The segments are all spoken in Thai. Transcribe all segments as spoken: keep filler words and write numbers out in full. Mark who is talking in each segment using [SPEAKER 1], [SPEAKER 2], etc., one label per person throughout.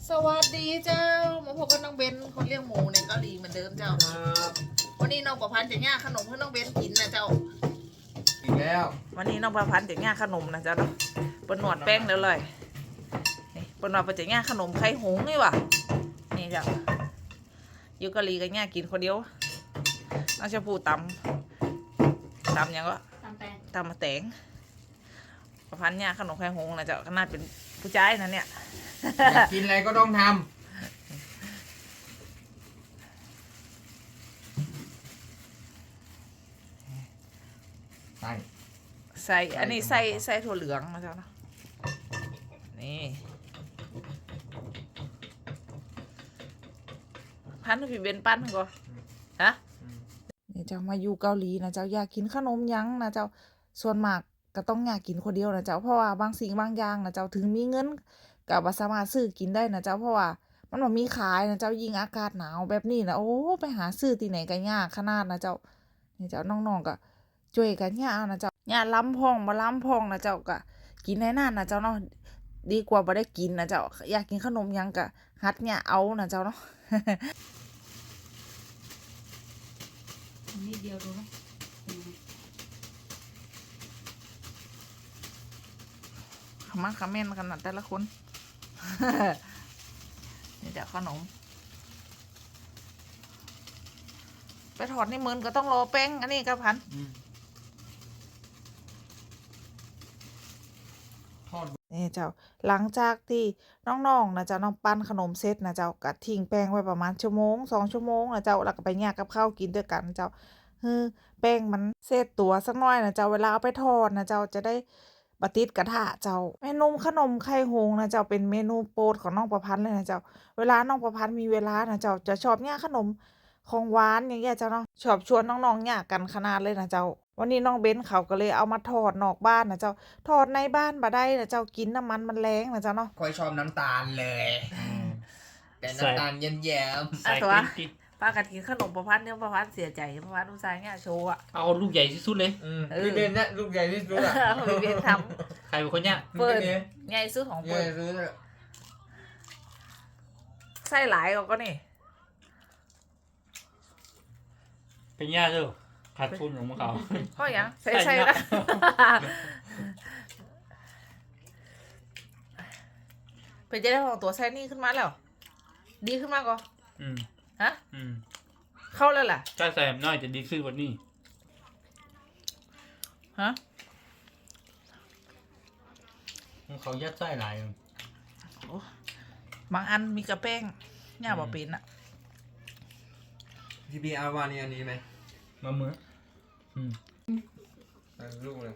[SPEAKER 1] สวัสดีเจ้ามาพบกับน้องเบนคนเลี้ยงหมูในเกาหลีเหมือนเดิมเจ้าวันนี้น้องประพันธ์จะย่างขนมให้น้องเบนกินนะเจ้า
[SPEAKER 2] อีกแล้ว
[SPEAKER 1] วันนี้น้องประพันธ์จะย่างขนมนะเจ้าเนาะปนหนวดแป้งแล้วเลยนี่ปนหนวดจะย่างขนมไข่หงนี่วะนี่เจ้าอยู่เกาหลีกันย่างกินคนเดียวน้องชมพูตำตำยังก็ตำแตงตำมาแตงประพันธ์ย่างขนมไข่หงนะเจ้าขนาดเป็นผู้ชายนะเนี่ย
[SPEAKER 2] อยากกินอะไรก็ต้องทำใส่
[SPEAKER 1] ใส่อันนี้ใส่ใส่ถั่วเหลืองนะเจ้าเนาะนี่พันธุ์พี่เบนปั้นก่อนฮะนี่เจ้ามาอยู่เกาหลีนะเจ้าอยากกินขนมยั้งนะเจ้าส่วนมากก็ต้องอยากกินคนเดียวนะเจ้าเพราะว่าบางสิ่งบางอย่างนะเจ้าถึงมีเงินก็บ่สามารถซื้อกินได้นะเจ้าเพราะว่ามันบ่มีขายนะเจ้ายิ่งอากาศหนาวแบบนี้นะโอ้ไปหาซื้อที่ไหนก็ยากขนาดนะเจ้านี่เจ้าน้องๆก็ช่วยกันย่านะเจ้าย่าล้ำพองบ่ล้ำพองนะเจ้าก็กินให้นานนะเจ้าเนาะดีกว่าบ่ได้กินนะเจ้าอยากกินขนมยังก็หัดย่าเอานะเจ้าเนาะนิดเดียวดูเนาะขมักขม้นขนาดแต่ละคนนี่เดี๋ยวขนมไปถอดในมือก็ต้องรอแป้งอันนี้ก็พันนี่เจ้าหลังจากที่น้องๆนะเจ้าน้องปั้นขนมเสร็จนะเจ้าก็ทิ้งแป้งไว้ประมาณชั่วโมงสองชั่วโมงนะเจ้าแล้วก็ไปแยกกับข้าวกินด้วยกันเจ้าคือแป้งมันเสร็จตัวสักหน่อยนะเจ้าเวลาเอาไปทอดนะเจ้าจะได้บะติดกระทะเจ้าเมนูขนมไข่หงนะเจ้าเป็นเมนูโปรดของน้องประพันธ์เลยนะเจ้าเวลาน้องประพันธ์มีเวลานะเจ้าจะชอบย่างขนมของหวานอย่างเงี้ยเจ้าเนาะชอบชวนน้องๆย่างกันขนาดเลยนะเจ้าวันนี้น้องเบนเขาก็เลยเอามาทอดนอกบ้านนะเจ้าทอดในบ้านบ่ได้นะเจ้ากินน้ำมันมันแรงนะเจ้าเนาะ
[SPEAKER 2] ค่อยชอบน้ำตาลเลยแต่น้ำตาลเย็นๆ
[SPEAKER 1] ใส่ตัวป้ากันกินขนมประพันธ์เนี่ยประพันธ์เสียใจประพันธ์อุตส่าห์เนี่ยโชว์อะ
[SPEAKER 3] เอาลูกใหญ่ที่สุดเลย
[SPEAKER 2] พี่เบนเนี่ยลูกใหญ่ที่สุดอะ
[SPEAKER 1] พี่เบนท
[SPEAKER 3] ำใครเป็นคนเนี่ย
[SPEAKER 1] เปิดใหญ่สุดของเปิดไส้หลายก็นี่
[SPEAKER 3] เป็นย่าเจ้าขาดทุนของพวกเขา
[SPEAKER 1] เพราะอย่างใส่ใส่ละเป็นจะได้ของตัวไส้นี่ขึ้นมาแล้วดีขึ้นมากก็
[SPEAKER 3] อืม
[SPEAKER 1] ฮะ
[SPEAKER 3] อืม
[SPEAKER 1] เข้าแล้วล่ะ
[SPEAKER 3] ใช่แซมน้อยจะดีขึ้นกว่านี้
[SPEAKER 1] ฮะ
[SPEAKER 3] เขายัดไส้หลาย
[SPEAKER 1] บางอันมีกระแป้งย่าบอกเป็นอะ
[SPEAKER 2] พี่บีเอาวานี่อันนี้ไหม
[SPEAKER 3] มาเมื่ออืม
[SPEAKER 2] ลูกเลย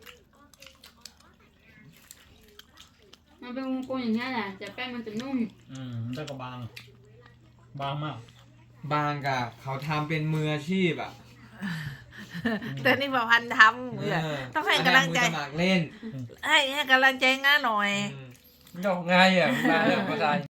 [SPEAKER 4] มันเป็นวงกลมอย่างนี้แหละแต่แป้งมันจะนุ่ม
[SPEAKER 3] อืมได้ก็บางบางมาก
[SPEAKER 2] บางกะเขาทำเป็นมืออาชีพอ่ะ
[SPEAKER 1] แต่นี่ประพันธ์ทำเลยต้องให้กำลังใจ
[SPEAKER 2] สมัครเล่น
[SPEAKER 1] ให้ให้กำลังใจง่าหน่อย
[SPEAKER 3] ดอกง่ายอ่ะมาเรื่องภาษา